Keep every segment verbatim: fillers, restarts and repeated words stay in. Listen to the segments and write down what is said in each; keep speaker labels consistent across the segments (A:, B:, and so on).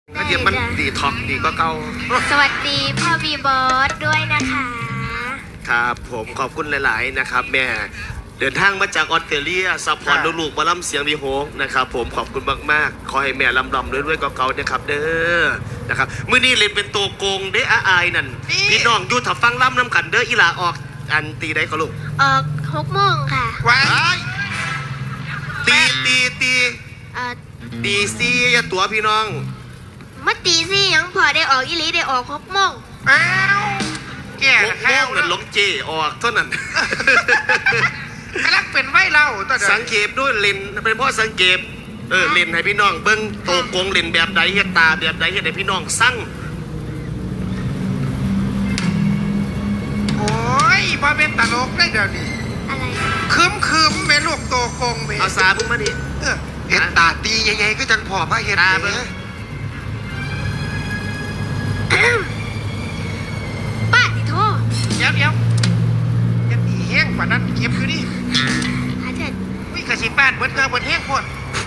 A: ก็เดี๋ยวมันดีท็อกดีก็เก่า
B: สวัสดีพ่อบีบอสด้วยนะคะ
A: ครับผมขอบคุณหลายๆนะครับแม่เดินทางมาจากออสเตรเลียซัพพอร์ตลูกๆมาล่ำเสียงวีโฮกนะครับผมขอบคุณมากๆขอให้แม่ลำลำด้วยๆก็เก่านะครับเด้อนะครับมื้อนี้เล่นเป็นตัวโกงเด้ออายนั่นพี่น้องอยู่ถ้าฟังล่ำน้ำกันเด้ออีหลาออกอันตีได้ก็ลูก
B: ออกหกโมงค่ะ
A: ว้ายตีตีตี
B: เอ่อ
A: ตีซี่อย่าตัวพี่น้อง
B: มาตีซี่ยังพอได้ออกอีหลีได้ออกหกโมง
C: อ้าวแก่
A: หกโมงนั่นลงเจออกเท่านั้น
C: กำลังเป็นไว้เราตัว
A: สังเกตด้วยเลนเป็นเพราะสังเกตเออเลนให้พี่น้องเบิ้งโตโกงเลนแบบใดเฮ็ดตาแบบใดเฮ็ดให้พี่น้องสั่ง
C: โอ้ยพอเป็นตลกได้เดี๋ยวนี้
B: อะไร
C: คืมคืมเป็นลูกโตโกงเม
A: เอาซาพุ่งมาดิ
C: เฮ็ดตาตียังไงก็จังพอพระเฮ็ด
A: ตาเบิ้ง
B: ป้าติโท
C: เดี๋ยวเดี๋ยวจะตีแห้งกว่านั้นเก็บคือนี่
B: หาเถิด
C: วิ่งกระชิบบ้านเบิดเกลือเบิดแห้งพวด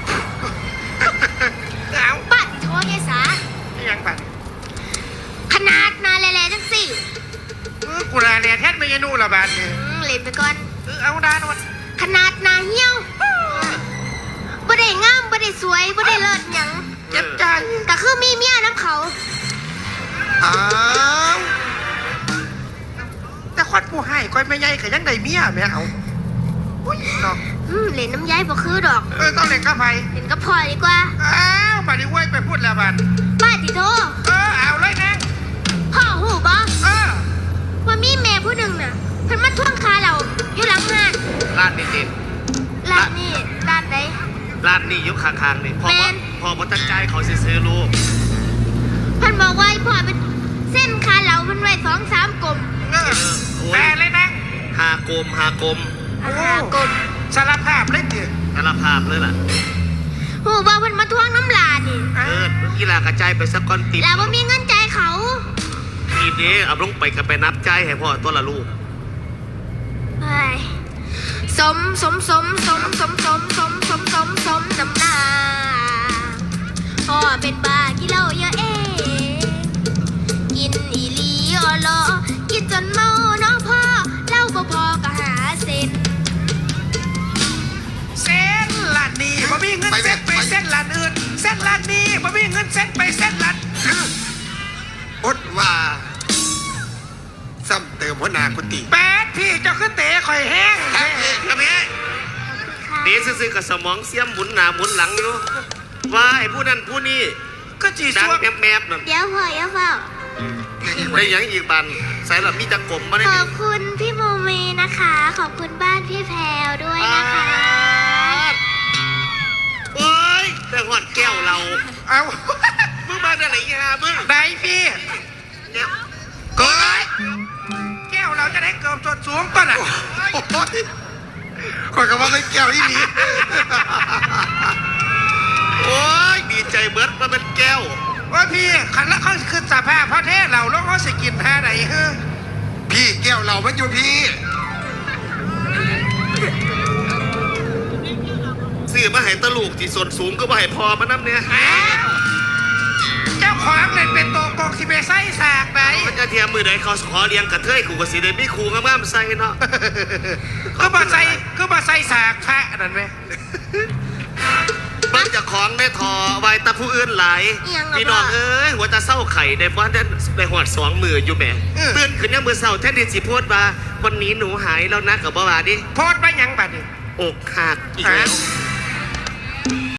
B: เอาป้าติโทยายสา
C: ไม่ยังปัด
B: ขนาดนาแล่ๆจังสิ
C: เออกูลาเรียนแท้ไม่ยนูละบาทเนี่ย
B: เล่นไปก่อน
C: เออเอาดานวัน
B: ขนาดนาเหี้ยวบ่ได้งามบ่ได้สวยบ่ได้เลิศหยัง
C: เจ็บใจ
B: ก็คือมีเมียน้ำเขา
C: อ้าวแต่ควันผู้ให้ก้อยไม่ใหญ่ขยันได้เมียแม่เอาอุ้ยเนาะ
B: อืมเล่นน้ำย้ายบ่คือดอก
C: เออต้องเล่นกับไผ
B: เล่นกับพ่อดีกว่า
C: อ้าวป่านนี้เว้ยไปพูดแล้วบัด
B: ป้าติโท
C: เออเอาเลยนะ
B: พ่อหูบ่
C: เออ
B: ว่ามีแม่ผู้หนึ่งน่ะเพิ่นมาทวงคาเราอยู่หลังงาน
A: ร้านนี้ดิ
B: ร้านนี้ร้านไหน
A: ร้านนี้อยู่ข้างๆนี่พอพอบ่ตั้งใจเขาสิซื้อลูก
B: เพิ่นบอกว่าพ่อเป็นเส้นคาเราเพิ่นไว้สองสามกลม
C: เออแม่เลยนะ
A: หากลมหากลม
B: หากลม
C: สารภาพเลยดิ
A: สารภาพเลยล่ะ
B: หูบ่เพิ่นมาทวงน้ำลานี่
A: เออกีฬากระจายไปสักก้อนติบ
B: แล้วบ่มีเงินจ่ายเขา
A: ทีเด้เอาลงไปกับไปนับจ่ายให้พ่อตัวละลูก
B: เฮ้ยสมสมสมสมสมสมสมสมสมสมน้ำหน้าพ่อเป็นบ้ากินเหล้าเยอะเองกินอีหลีออลอกินจนเมาน้องพ่อเหล้าบ่พอก็หาเส้น
C: เส้นร้านนี้บ่มีเงินเส้นไปเส้นร้านอื่นเส้นร้านนี้บ่มีเงินเส้นไปเส้นร้าน
D: อดว่าซ้ำเติมหัวหน้ากุฏิ
C: แปดพี่เจ้าขึ้นเตะข่อยแห้ง
A: ครับพี่เตะซื่อๆกับสมองเสียมหมุนหน้าหมุนหลังอยู่ว่าไอ้ผู้นั้นผู้นี้
C: ก็จี
A: ดัง
C: แ
A: แมบๆนั่น
B: เดี๋ยวพ่อเดี๋ยวเฝ้า
A: ได้ยังอีกบันใส่ละมีจักรมมาได้
B: ขอบคุณพี่โมเมนะคะขอบคุณบ้านพี่แพรวด้วยนะคะ
A: เอ้ยแต่หอดแก้วเรา
C: เอา
A: มึงมาได้ไหนฮะมึง
C: ได้พี่เกิดแก้วเราจะได้เกิดส่วนสูงก่อนอ่ะ
D: คอยกับว่าไม่แก้วที่นี้
A: โอ้ยดีใจเบิร์ดมาเป็นแก้ว
C: ว่าพี่ขันละเขาขึ้นสภาพพระเทศเราแล้วเขาสกินแพ้ไหนเฮ้
D: พี่แก้วเรามันอยู่พี่
A: ซื้อมาให้ตะลูกที่ส่วนสูงก็มาให้พอมาน้ำเนี่ย
C: เจ้าของเลยเป็นตัวกองที่ไปไส้สากไหน
A: มันจะเทียมมือไหนเขาขอเลี้ยงกระเทยขู่กับสีเดมี่ขู่งามๆใส่เนาะ
C: ก็มาใส่ก็มาใส่สากแพะนั่นไหม
A: มันจะของได้ทอไว้ตาผู้อื่นหลายพี่น้องเอ้ยหัวตาเศร้าไข่ได้บ้านได้ในหัวสองมืออยู่แม่ตื่นขึ้นยังมือเศร้าแท้ดิสิพูดว่าวันนี้หนูหายแล้วนะกับบ้าดิ
C: โพดไปยังบัดนี่
A: อกหักอีกแล้ว